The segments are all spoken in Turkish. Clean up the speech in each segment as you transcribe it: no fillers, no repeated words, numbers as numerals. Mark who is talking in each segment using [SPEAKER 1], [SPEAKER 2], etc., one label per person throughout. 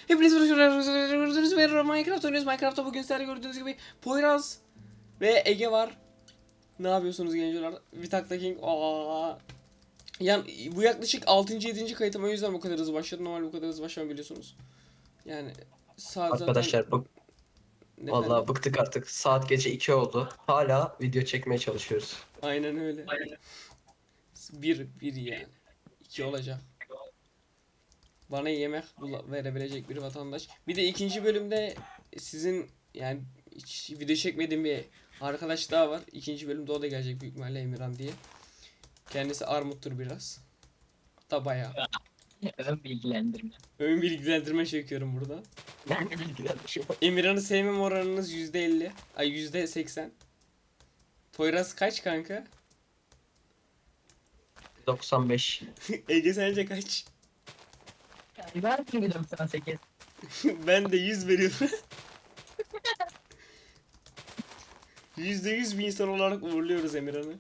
[SPEAKER 1] Hepiniz merhaba, Minecraft oynuyoruz. Minecraft'ta bugün sizlerle gördüğünüz gibi Poyraz ve Ege var. Ne yapıyorsunuz gençler? Vitakta King. Yani bu yaklaşık 6. 7. kayıtım, o yüzden bu kadar hızlı başladım. Normal bu kadar hızlı başlamam, biliyorsunuz. Yani saat zaten
[SPEAKER 2] Arkadaşlar
[SPEAKER 1] efendim.
[SPEAKER 2] vallahi bıktık artık. Saat gece 2 oldu. Hala video çekmeye çalışıyoruz.
[SPEAKER 1] Aynen öyle. Bir yani. 2 olacak. Bana yemek verebilecek bir vatandaş. Bir de ikinci bölümde sizin yani hiç video çekmediğim bir arkadaş daha var. İkinci bölümde o da gelecek büyük ihtimalle, Emirhan diye. Kendisi armuttur biraz. Da bayağı.
[SPEAKER 3] Ön bilgilendirme.
[SPEAKER 1] Ön bilgilendirme çekiyorum burada.
[SPEAKER 3] Ben de bilgilendirme.
[SPEAKER 1] Emirhan'ı sevmem oranınız %50. Ay %80. Poyraz kaç kanka?
[SPEAKER 2] 95.
[SPEAKER 1] Ege sence kaç?
[SPEAKER 3] Ben çünkü 98.
[SPEAKER 1] Ben de 100 veriyorum. %100 bir insan olarak uğurluyoruz Emirhan'ı.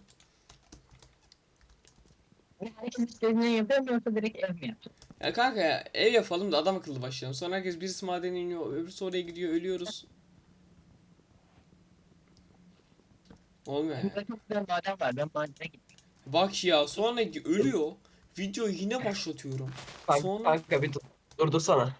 [SPEAKER 3] Herkes istediğini yapıyor mu yoksa direkt ev mi yapıyor?
[SPEAKER 1] Ya kanka ya, ev yapalım da adam akıllı başlayalım. Sonra herkes, birisi madene iniyor, öbürsü oraya gidiyor, ölüyoruz. Olmuyor yani.
[SPEAKER 3] Burada çok güzel maden var. Ben madene gittim.
[SPEAKER 1] Bak ya, sonra ölüyor. Videoyu yine başlatıyorum. Sonra
[SPEAKER 2] Kanka bir durdursana.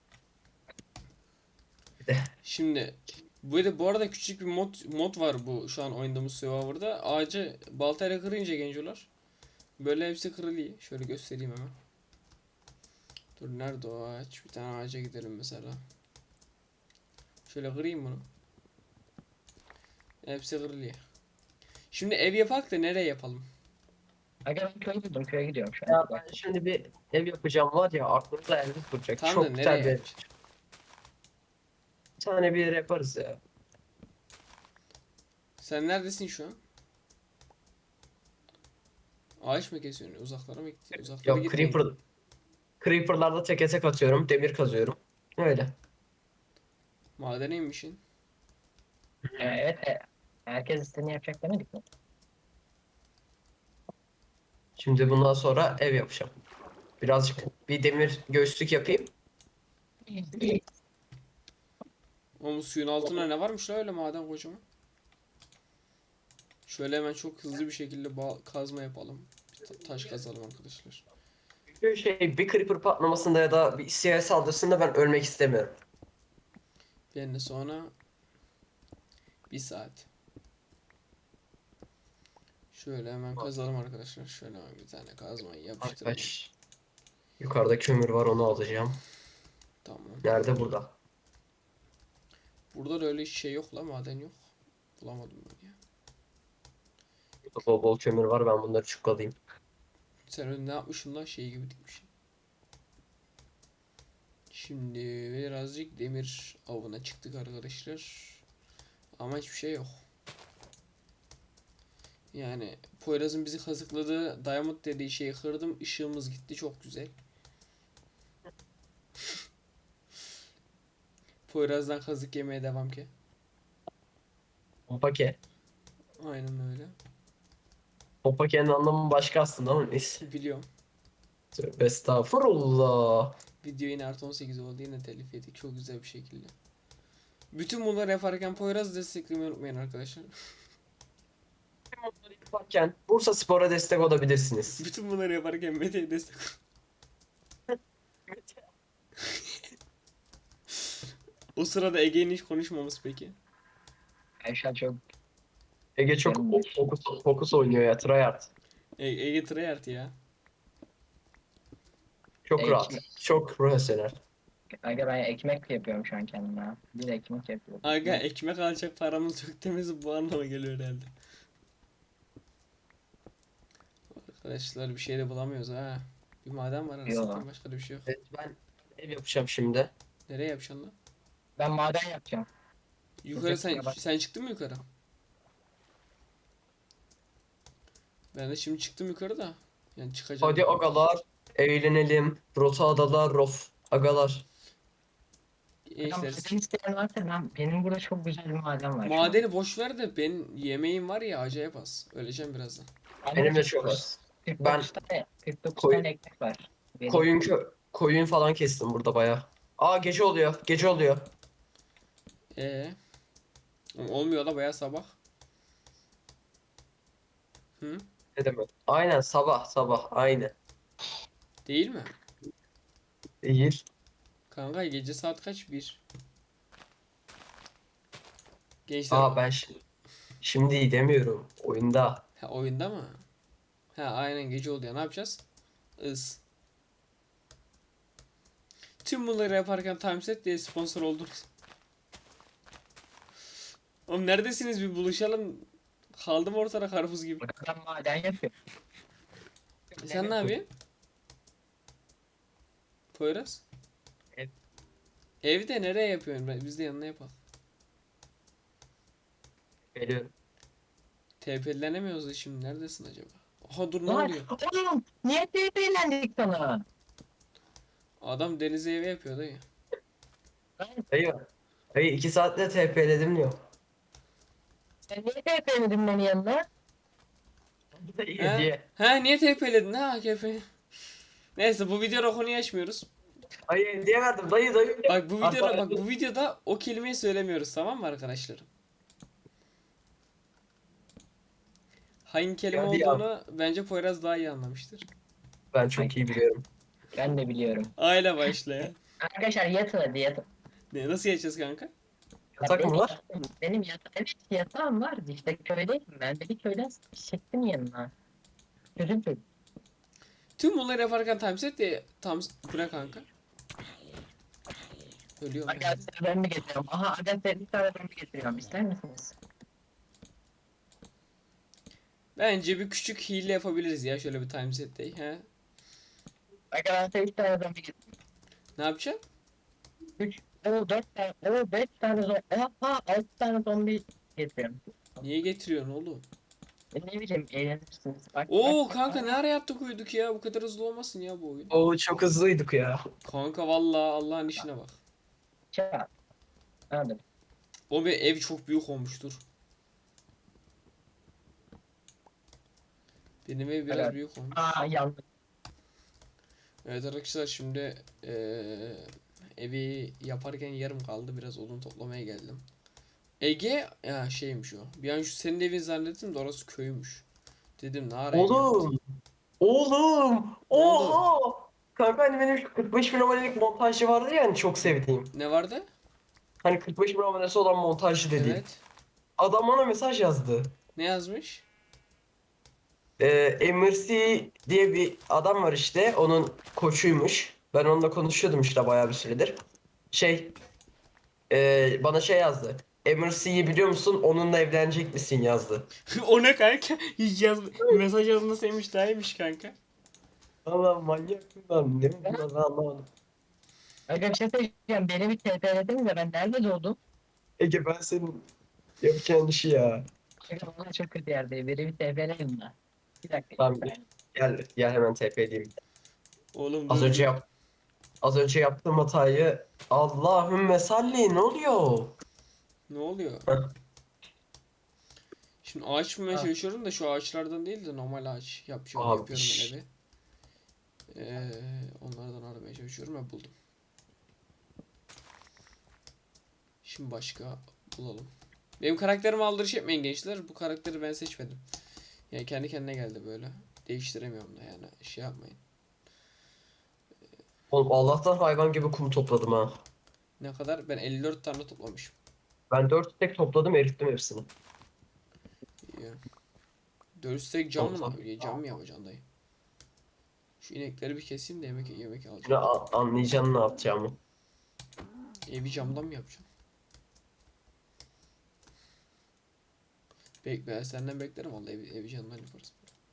[SPEAKER 2] Bir de
[SPEAKER 1] şimdi bu arada küçük bir mod var bu şu an oynadığımız serverda. Ağacı baltayla kırınca gencolar, böyle hepsi kırılıyor. Şöyle göstereyim hemen. Dur, nerede o ağaç? Bir tane ağaca gidelim mesela. Şöyle kırayım bunu. Hepsi kırılıyor. Şimdi ev yapak da nereye yapalım?
[SPEAKER 3] Aga ben köye gidiyorum. Köye gidiyorum şu
[SPEAKER 2] ya
[SPEAKER 3] an.
[SPEAKER 2] ben şimdi bir ev yapacağım var ya, aklımda elde duracak.
[SPEAKER 1] Tam da
[SPEAKER 2] Çok
[SPEAKER 1] nereye
[SPEAKER 2] güzel
[SPEAKER 1] yapacağım?
[SPEAKER 2] bir tane bir yer yaparız ya.
[SPEAKER 1] Sen neredesin şu an? Ağaç mı kesiyorsun? Uzaklara mı gitti? Uzaklara
[SPEAKER 2] Yok,
[SPEAKER 1] gitmeyin.
[SPEAKER 2] Creeper'larda teke tek atıyorum. Demir kazıyorum. Öyle.
[SPEAKER 1] Madene inmişsin.
[SPEAKER 3] Evet. Herkes istediğini yapacak demedik mi?
[SPEAKER 2] Şimdi bundan sonra ev yapacağım. Birazcık bir demir göğüslük yapayım.
[SPEAKER 1] Ama suyun altında ne varmış la öyle, maden kocaman. Şöyle hemen çok hızlı bir şekilde kazma yapalım. Bir taş kazalım arkadaşlar.
[SPEAKER 2] Çünkü bir creeper patlamasında ya da bir isyanet saldırısında ben ölmek istemiyorum.
[SPEAKER 1] Ben de sonra bir saat. Şöyle hemen kazalım arkadaşlar. Şöyle hemen bir tane kazmayı yapıştıralım.
[SPEAKER 2] Arkadaş, yukarıda kömür var, onu alacağım.
[SPEAKER 1] Tamam.
[SPEAKER 2] Nerede? Burada.
[SPEAKER 1] Burada da öyle şey yok la, maden yok. Bulamadım ben ya.
[SPEAKER 2] Burada bol bol kömür var, ben bunları çukalayayım.
[SPEAKER 1] Sen öyle ne yapmışsın la, şey gibi dikmişsin. Şimdi birazcık demir avına çıktık arkadaşlar. Ama hiçbir şey yok. Yani Poyraz'ın bizi kazıkladığı Diamond dediği şeyi kırdım. Işığımız gitti. Çok güzel. Poyraz'dan kazık yemeye devam ki.
[SPEAKER 2] Hopake.
[SPEAKER 1] Aynen öyle.
[SPEAKER 2] Hopake'nin anlamı başka aslında ama neyse.
[SPEAKER 1] Biliyorum.
[SPEAKER 2] Tövbe estağfurullah.
[SPEAKER 1] Video yine artı 18 oldu. Yine telif yedik. Çok güzel bir şekilde. Bütün bunları yaparken Poyraz'ı desteklemeyi unutmayın arkadaşlar.
[SPEAKER 2] Bunları yaparken Bursa Spor'a destek olabilirsiniz.
[SPEAKER 1] Bütün bunları yaparken Mete'ye destek. O sırada Ege'nin hiç konuşmaması peki.
[SPEAKER 3] Ayşe çok
[SPEAKER 2] Ege çok fokus oynuyor ya, tryhard.
[SPEAKER 1] Ege tryhard ya.
[SPEAKER 2] Çok rahat.
[SPEAKER 3] ekmek.
[SPEAKER 2] Çok profesyonel.
[SPEAKER 3] Aga ben ekmek yapıyorum şu an kendime. Bir ekmek yapıyorum.
[SPEAKER 1] Aga ekmek alacak paramız yok demesi bu anlama geliyor herhalde. Arkadaşlar bir şey de bulamıyoruz ha. Bir maden var,
[SPEAKER 3] Yo.
[SPEAKER 1] arasında başka da bir şey yok.
[SPEAKER 2] Evet, ben ev yapacağım şimdi.
[SPEAKER 1] Nereye yapacaksın lan?
[SPEAKER 3] Ben maden yapacağım.
[SPEAKER 1] Yukarı
[SPEAKER 3] Kusura bak.
[SPEAKER 1] sen çıktın mı yukarı? Ben de şimdi çıktım yukarı da. Yani çıkacağım.
[SPEAKER 2] Hadi agalar, eğlenelim. Rota adalar, rof. Agalar.
[SPEAKER 3] Tamam,
[SPEAKER 1] Gençler,
[SPEAKER 3] sizin isteyen varsa benim burada çok güzel bir maden var şu an.
[SPEAKER 1] madeni boş ver de ben yemeğim var ya, acayip az. Öleceğim birazdan.
[SPEAKER 2] Benim de çok az.
[SPEAKER 3] 49 tane, 49
[SPEAKER 2] Koy-
[SPEAKER 3] tane ekmek var. Benim.
[SPEAKER 2] Koyun falan kestim burada bayağı. Aa gece oluyor. Gece oluyor.
[SPEAKER 1] Ee, olmuyor da bayağı sabah. Hı?
[SPEAKER 2] Ne demek? Aynen sabah sabah aynı.
[SPEAKER 1] Değil mi?
[SPEAKER 2] Değil.
[SPEAKER 1] Kanka gece saat kaç? Bir. Gençler
[SPEAKER 2] Aa ben şimdi demiyorum. Oyunda.
[SPEAKER 1] ha, oyunda mı? Ha aynen gece oluyor. Ne yapacağız? Is. Tüm bunları yaparken Timeset diye sponsor oldunuz. Oğlum neredesiniz, bir buluşalım. Kaldım ortada karpuz gibi.
[SPEAKER 3] Adam maden yapıyor.
[SPEAKER 1] Sen ne yapıyorsun? Poyraz?
[SPEAKER 3] Ev.
[SPEAKER 1] Evde nereye yapıyorsun? Biz de yanına yapalım.
[SPEAKER 2] Geliyorum.
[SPEAKER 1] TP'lenemiyoruz da şimdi. Neredesin acaba? Aha dur, ne
[SPEAKER 3] Lan
[SPEAKER 1] oluyor?
[SPEAKER 3] oğlum niye TP'lendik sana?
[SPEAKER 1] Adam denize evi yapıyor dayı.
[SPEAKER 3] Lan
[SPEAKER 2] Dayı. Dayı 2 saatte TP'ledim diyor.
[SPEAKER 3] sen niye TP'lemedin beni yanına?
[SPEAKER 2] Dayı
[SPEAKER 1] He?
[SPEAKER 2] hediye.
[SPEAKER 1] He niye TP'ledin ha KP? Neyse bu videoda konuyu açmıyoruz.
[SPEAKER 2] Dayı hediye verdim. Dayı dayı.
[SPEAKER 1] Bak bu videoda
[SPEAKER 2] Hatta-
[SPEAKER 1] bak bu videoda o kelimeyi söylemiyoruz, tamam mı arkadaşlarım? Hangi kelime
[SPEAKER 2] Hadi ya.
[SPEAKER 1] olduğunu bence Poyraz daha iyi anlamıştır.
[SPEAKER 2] Ben çok iyi biliyorum.
[SPEAKER 3] Ben de biliyorum.
[SPEAKER 1] Aile başlayan.
[SPEAKER 3] Arkadaşlar yatın hadi yatın.
[SPEAKER 1] Ne, nasıl geçeceğiz kanka?
[SPEAKER 2] Yatak
[SPEAKER 3] benim
[SPEAKER 2] mı var?
[SPEAKER 3] benim evet yatağım vardı işte köydeydim ben de bir köyden çektim yanına. Çocuk çocuk.
[SPEAKER 1] Tüm bunları yaparken timeset diye tam bu ne kanka? Ölüyorum
[SPEAKER 3] Aga
[SPEAKER 1] yani.
[SPEAKER 3] size ben mi getiriyorum? Aha aga size bir tane ben mi getiriyorum? İster misiniz?
[SPEAKER 1] Bence bir küçük hile yapabiliriz ya, şöyle bir timeset day. He?
[SPEAKER 3] Aga ben size 3 tane ben mi getiriyorum?
[SPEAKER 1] Ne yapacaksın?
[SPEAKER 3] 3, o 4 tane, o 5 tane zombi, aha 6 tane zombi getiriyorum.
[SPEAKER 1] Niye getiriyorsun oğlum?
[SPEAKER 3] Ne bileyim eğlenirsiniz. Bak
[SPEAKER 1] Oo
[SPEAKER 3] bak.
[SPEAKER 1] kanka ne ara attık uyuduk ya, bu kadar hızlı olmasın ya bu oyun.
[SPEAKER 2] Oo çok hızlıydık ya.
[SPEAKER 1] Kanka vallahi Allah'ın işine bak.
[SPEAKER 3] Çat. Anladım.
[SPEAKER 1] O bir ev çok büyük olmuştur. Benim ev biraz
[SPEAKER 3] Evet.
[SPEAKER 1] büyük olmuş.
[SPEAKER 3] Aa yandım.
[SPEAKER 1] Evet arkadaşlar şimdi evi yaparken yarım kaldı. Biraz odun toplamaya geldim. Ege ya şeymiş o. Bir an şu senin evin zannettim de orası köymüş. Dedim ne ara ev yaptın?
[SPEAKER 2] Oğlum. Oğlum.
[SPEAKER 1] Ne oldu?
[SPEAKER 2] Oha. Kanka hani benim şu 45 bin abonelik montajcı vardı ya hani çok sevdiğim.
[SPEAKER 1] Ne vardı?
[SPEAKER 2] Hani 45 bin abonesi olan montajcı dediğim.
[SPEAKER 1] Evet.
[SPEAKER 2] Adam bana mesaj yazdı.
[SPEAKER 1] Ne yazmış?
[SPEAKER 2] MRC diye bir adam var işte. Onun koçuymuş. Ben onunla konuşuyordum işte bayağı bir süredir. Şey bana şey yazdı. MRC'yi biliyor musun? Onunla evlenecek misin yazdı.
[SPEAKER 1] O ne kanka? Hiç mesaj yazını sevmiş daha iyiymiş kanka.
[SPEAKER 2] Allah manyak lan. Ne bu ben anlamadım.
[SPEAKER 3] Aga bir şey söyleyeceğim. Beni bir TP'lediniz de ben nerede doğdum?
[SPEAKER 2] Ege ben senin yapacağın işi ya.
[SPEAKER 3] Aga valla çok kötü yerdeyim. Beni bir TP'leyin de. Bir dakika.
[SPEAKER 2] Tamam gel hemen TP edeyim.
[SPEAKER 1] Oğlum
[SPEAKER 2] Az
[SPEAKER 1] dur
[SPEAKER 2] önce
[SPEAKER 1] bir.
[SPEAKER 2] az önce yaptığım hatayı Allahümme salli ne oluyor?
[SPEAKER 1] Ne oluyor?
[SPEAKER 2] Heh.
[SPEAKER 1] Şimdi ağaç bulmaya
[SPEAKER 3] Ha.
[SPEAKER 1] çalışıyorum da şu ağaçlardan değil de normal ağaç yapıyorum,
[SPEAKER 2] Abi,
[SPEAKER 1] yapıyorum ben
[SPEAKER 2] şşş.
[SPEAKER 1] evi. Onlardan aramaya çalışıyorum ve buldum. Şimdi başka bulalım. Benim karakterime aldırış etmeyin gençler. Bu karakteri ben seçmedim. Yani kendi kendine geldi böyle. Değiştiremiyorum da yani. Şey yapmayın.
[SPEAKER 2] Oğlum Allah'tan hayvan gibi kum topladım ha.
[SPEAKER 1] Ne kadar? Ben 54 tane toplamışım.
[SPEAKER 2] Ben 4 tek topladım erittim hepsini.
[SPEAKER 1] İyi. 4 tek cam mı? Cam mı yapacaksın dayı? Şu inekleri bir keseyim de yemek
[SPEAKER 2] Şimdi
[SPEAKER 1] alacağım.
[SPEAKER 2] anlayacaksın ne yapacağımı.
[SPEAKER 1] Evi camdan mı yapacağım? Bekle, senden beklerim vallahi, evi camdan yaparız.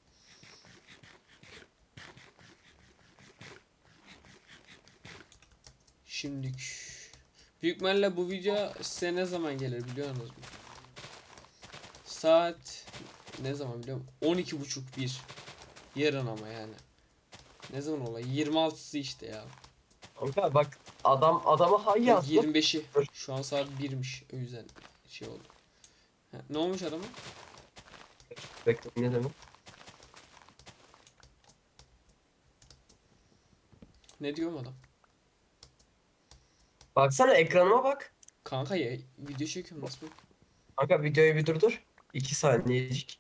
[SPEAKER 1] Şimdilik büyük ihtimalle bu video size ne zaman gelir biliyorsunuz mu? Saat ne zaman biliyorum? 12.30 1. Yarın ama yani. Ne zaman olay? 26'sı işte ya.
[SPEAKER 2] Kanka bak adama hay
[SPEAKER 1] Yok,
[SPEAKER 2] yazdım.
[SPEAKER 1] 25'i. Şu an saat 1'miş. O yüzden şey oldu. Ha, ne olmuş adamın?
[SPEAKER 2] Bekle ne demek?
[SPEAKER 1] Ne diyor adam?
[SPEAKER 2] Baksana ekranıma bak.
[SPEAKER 1] Kanka ya video çekiyorum nasıl bak.
[SPEAKER 2] Kanka videoyu bir durdur. 2 saniyecik.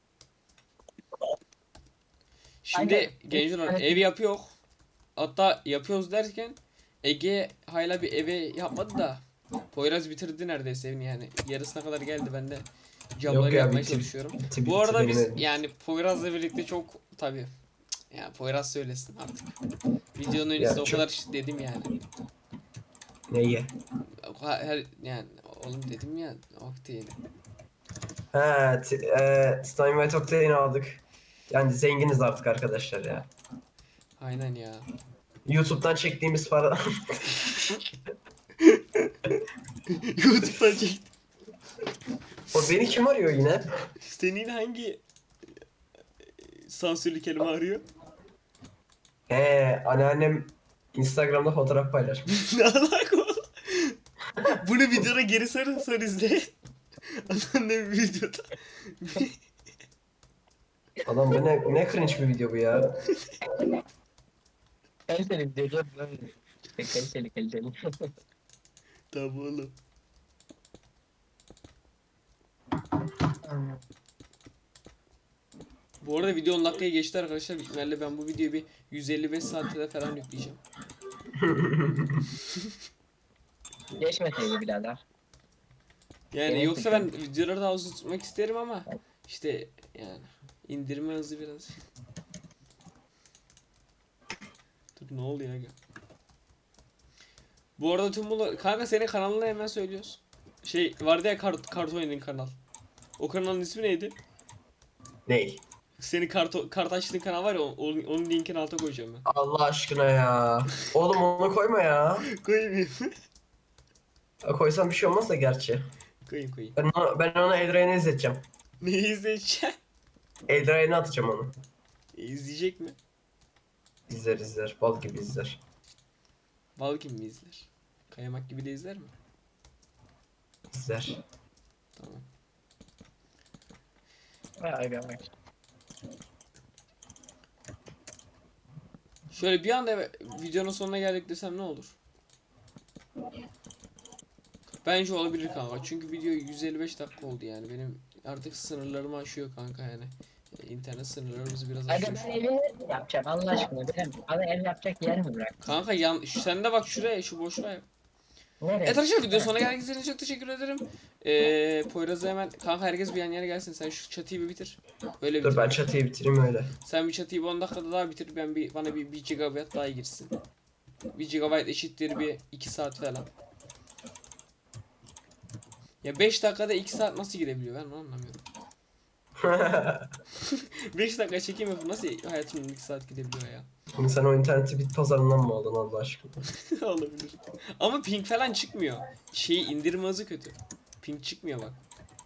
[SPEAKER 1] Şimdi
[SPEAKER 3] Aynen.
[SPEAKER 1] gençler ev yapıyor. Hatta yapıyoruz derken Ege hala bir eve yapmadı da Poyraz bitirdi neredeyse evini yani. Yarısına kadar geldi, ben de camları
[SPEAKER 2] Yok ya,
[SPEAKER 1] yapmaya
[SPEAKER 2] bitti
[SPEAKER 1] çalışıyorum.
[SPEAKER 2] bitti
[SPEAKER 1] Bu
[SPEAKER 2] bitti
[SPEAKER 1] arada
[SPEAKER 2] benim
[SPEAKER 1] biz
[SPEAKER 2] evim.
[SPEAKER 1] yani Poyraz'la birlikte çok tabii yani Poyraz söylesin artık. Videonun öncesinde
[SPEAKER 2] Ya
[SPEAKER 1] o
[SPEAKER 2] çok
[SPEAKER 1] kadar dedim yani.
[SPEAKER 2] neyi?
[SPEAKER 1] Her yani oğlum dedim ya Octane'i.
[SPEAKER 2] Ha, Steinway Octane aldık. Yani zenginiz artık arkadaşlar ya.
[SPEAKER 1] Aynen ya.
[SPEAKER 2] YouTube'dan çektiğimiz para.
[SPEAKER 1] YouTube'dan çektim.
[SPEAKER 2] O beni kim arıyor yine?
[SPEAKER 1] Senin hangi sansürlü kelime arıyor?
[SPEAKER 2] Anneannem Instagram'da fotoğraf paylaşmış.
[SPEAKER 1] Ne alaka oğlum? Bunu videoda geri sarın izle. Anneannem videoda.
[SPEAKER 2] Adam ne cringe bir video bu ya.
[SPEAKER 3] Kaliteli video böyle. İşte kaliteli.
[SPEAKER 1] Tamam oğlum. Bu arada video 10 dakikaya geçti arkadaşlar. Büyük ihtimalle ben bu videoyu bir 155 saatte falan yükleyeceğim.
[SPEAKER 3] Geçmeseydi birader.
[SPEAKER 1] Yani
[SPEAKER 3] Evet,
[SPEAKER 1] yoksa ben videoları daha uzun tutmak isterim ama işte yani indirme hızı biraz. Dur ne oluyor ya? Bu arada tüm bunlar kanka senin kanalını hemen söylüyoruz. Şey vardı ya kart oynadığın kanal. O kanalın ismi neydi?
[SPEAKER 2] Ney?
[SPEAKER 1] Senin kart açtığın kanal var ya onun linkini alta koyacağım ben.
[SPEAKER 2] Allah aşkına ya. Oğlum onu koyma ya.
[SPEAKER 1] Koyayım.
[SPEAKER 2] Koysam bir şey olmaz da gerçi.
[SPEAKER 1] Koyayım.
[SPEAKER 2] Ben ona Eldrain'i izleteceğim.
[SPEAKER 1] Neyi izleyeceğim?
[SPEAKER 2] Eldrain'i atacağım onu.
[SPEAKER 1] İzleyecek mi?
[SPEAKER 2] İzler. Bal gibi izler.
[SPEAKER 1] Bal gibi mi izler? Kayamak gibi de izler mi?
[SPEAKER 2] İzler.
[SPEAKER 1] Tamam.
[SPEAKER 3] Vay görmek.
[SPEAKER 1] Şöyle bir anda videonun sonuna geldik desem ne olur? Bence olabilir kanka. Çünkü video 155 dakika oldu yani. Benim artık sınırlarımı aşıyor kanka yani. İnternet sınırlarımızı biraz
[SPEAKER 3] Hadi
[SPEAKER 1] aşıyor.
[SPEAKER 3] ben evini yapacağım Allah aşkına. Bana ev yapacak yer mi bırak?
[SPEAKER 1] Kanka sen de bak şuraya, şu boşluğa yap.
[SPEAKER 3] Nereye?
[SPEAKER 1] Evet arkadaşlar video sonuna geldiğiniz için çok teşekkür ederim. Poyraz'a hemen kanka herkes bir yan yana gelsin. Sen şu çatıyı bir bitir. Öyle
[SPEAKER 2] Dur
[SPEAKER 1] bitir.
[SPEAKER 2] ben çatıyı bitireyim öyle.
[SPEAKER 1] Sen bir çatıyı 10 dakikada daha bitir. Bana bir 1 GB daha girsin. 1 GB eşittir bir 2 saat falan. Ya 5 dakikada 2 saat nasıl girebiliyor ben onu anlamıyorum. 5 dakika çekim yapıp nasıl hayatımın 2 saat gidebiliyor ya?
[SPEAKER 2] Şimdi sen o interneti bit pazarından mı aldın Allah aşkına?
[SPEAKER 1] Olabilir. Ama ping falan çıkmıyor. Şeyi indirme hızı kötü. Ping çıkmıyor bak.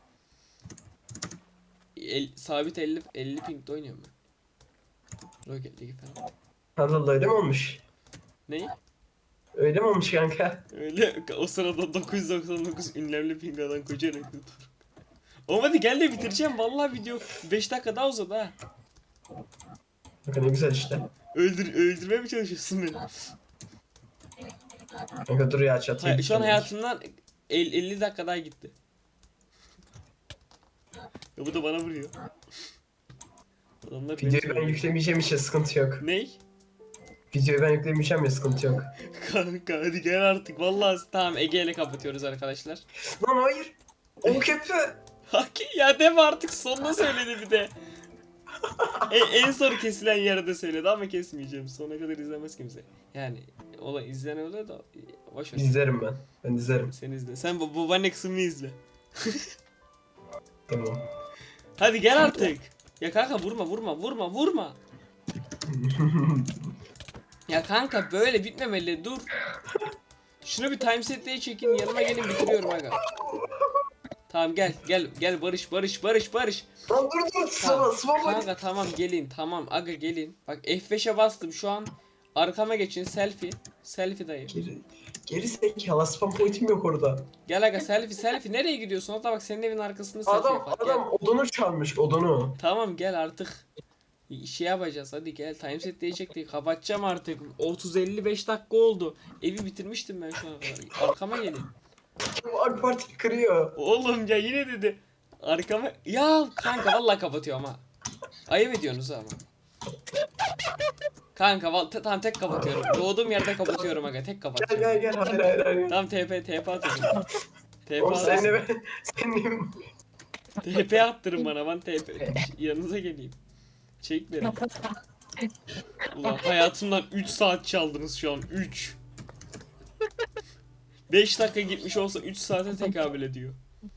[SPEAKER 1] Sabit 50 pingde oynuyorum ben. Rocket League falan.
[SPEAKER 2] Allah öyle mi olmuş?
[SPEAKER 1] Ne?
[SPEAKER 2] Öyle mi olmuş kanka?
[SPEAKER 1] Öyle o sırada 999 ünlemli ping alan koca rekor. Oğlum hadi gel de bitireceğim. Vallahi video 5 dakika daha uzadı ha.
[SPEAKER 2] Kanka ne güzel işte.
[SPEAKER 1] Öldürmeye mi çalışıyorsun beni?
[SPEAKER 2] Kanka dur ya çatıyı
[SPEAKER 1] Şu an
[SPEAKER 2] bitireyim.
[SPEAKER 1] hayatımdan 50 dakika daha gitti. Ya bu da bana vuruyor. Adamlar beni
[SPEAKER 2] Videoyu ben
[SPEAKER 1] söylüyor.
[SPEAKER 2] yüklemeyeceğim için sıkıntı yok.
[SPEAKER 1] Ney?
[SPEAKER 2] Videoyu ben yüklemeyeceğim ya sıkıntı yok.
[SPEAKER 1] Kanka hadi gel artık. Vallahi tamam Ege ile kapatıyoruz arkadaşlar.
[SPEAKER 2] Lan hayır. O köprü.
[SPEAKER 1] Haki ya deme artık sonuna söyledi bir de. En son kesilen yerde söyledi ama kesmeyeceğim. Sonuna kadar izlemez kimse. Yani izleyen oluyor da boş ver.
[SPEAKER 2] İzlerim ben. Ben izlerim.
[SPEAKER 1] Sen izle. Sen babaanne kısmını izle.
[SPEAKER 2] Tamam.
[SPEAKER 1] Hadi gel artık. Ya kanka vurma. Ya kanka böyle bitmemeli dur. Şunu bir timeset'e çekin yanıma gelin bitiriyorum aga. Tamam gel Barış.
[SPEAKER 2] Lan dur
[SPEAKER 1] Tamam.
[SPEAKER 2] sıvama
[SPEAKER 1] Kanka tamam gelin tamam aga gelin. Bak F5'e bastım şu an. Arkama geçin selfie. Selfie dayı.
[SPEAKER 2] Geri zekalı spam pointim yok orada.
[SPEAKER 1] Gel aga selfie. Nereye gidiyorsun? Hatta bak senin evin arkasında selfie
[SPEAKER 2] Adam
[SPEAKER 1] yapar. Gel.
[SPEAKER 2] adam odunu çalmış odunu.
[SPEAKER 1] Tamam gel artık. şey yapacağız, hadi gel, timeset diyecektik, kapatacağım artık, 30-55 dakika oldu, evi bitirmiştim ben şu ana kadar, arkama gelin.
[SPEAKER 2] Bu AK Parti kırıyor.
[SPEAKER 1] Oğlum ya yine dedi, arkama ya kanka, vallahi kapatıyorum ha, ayıp ediyorsunuz ama. Kanka tamam, tek kapatıyorum, doğduğum yerde kapatıyorum aga, tek
[SPEAKER 2] Gel
[SPEAKER 1] kapatacağım.
[SPEAKER 2] gel gel, hayır.
[SPEAKER 1] Tamam, TP atıyorum. TP
[SPEAKER 2] Oğlum
[SPEAKER 1] atıyorum.
[SPEAKER 2] senin
[SPEAKER 1] TP attırın bana, ben TP yanınıza geleyim. Çek beni. Ulan hayatımdan 3 saat çaldınız şu an, 3. 5 dakika gitmiş olsa 3 saate tekabül ediyor.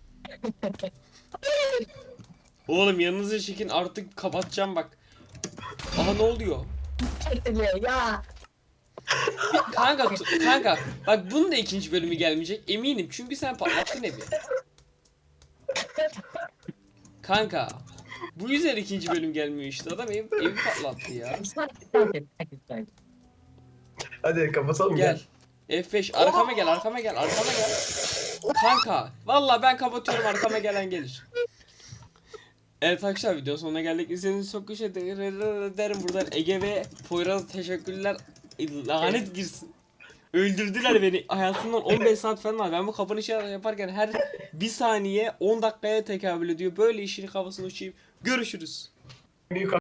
[SPEAKER 1] Oğlum yanınıza çekin artık, kapatacağım bak. Aha, ne oluyor?
[SPEAKER 3] Ya.
[SPEAKER 1] Kanka bak, bunun da ikinci bölümü gelmeyecek eminim, çünkü sen patlattın evi. Kanka bu yüzden ikinci bölüm gelmiyor işte, adam evi patlattı ya.
[SPEAKER 2] Hadi kapatalım
[SPEAKER 1] Gel.
[SPEAKER 2] gel.
[SPEAKER 1] F5, arkama gel. Kanka vallahi ben kapatıyorum, arkama gelen gelir. Evet arkadaşlar, videonun sonuna geldik. İzlediğiniz için çok teşekkür ederim. Buradan Ege ve Poyraz'a teşekkürler. Lanet girsin. Öldürdüler beni. Hayatımdan 15 saat falan var. Ben bu kapanışı yaparken her bir saniye 10 dakikaya tekabül ediyor. Böyle işin kafasını uçayım. Görüşürüz.
[SPEAKER 2] Büyük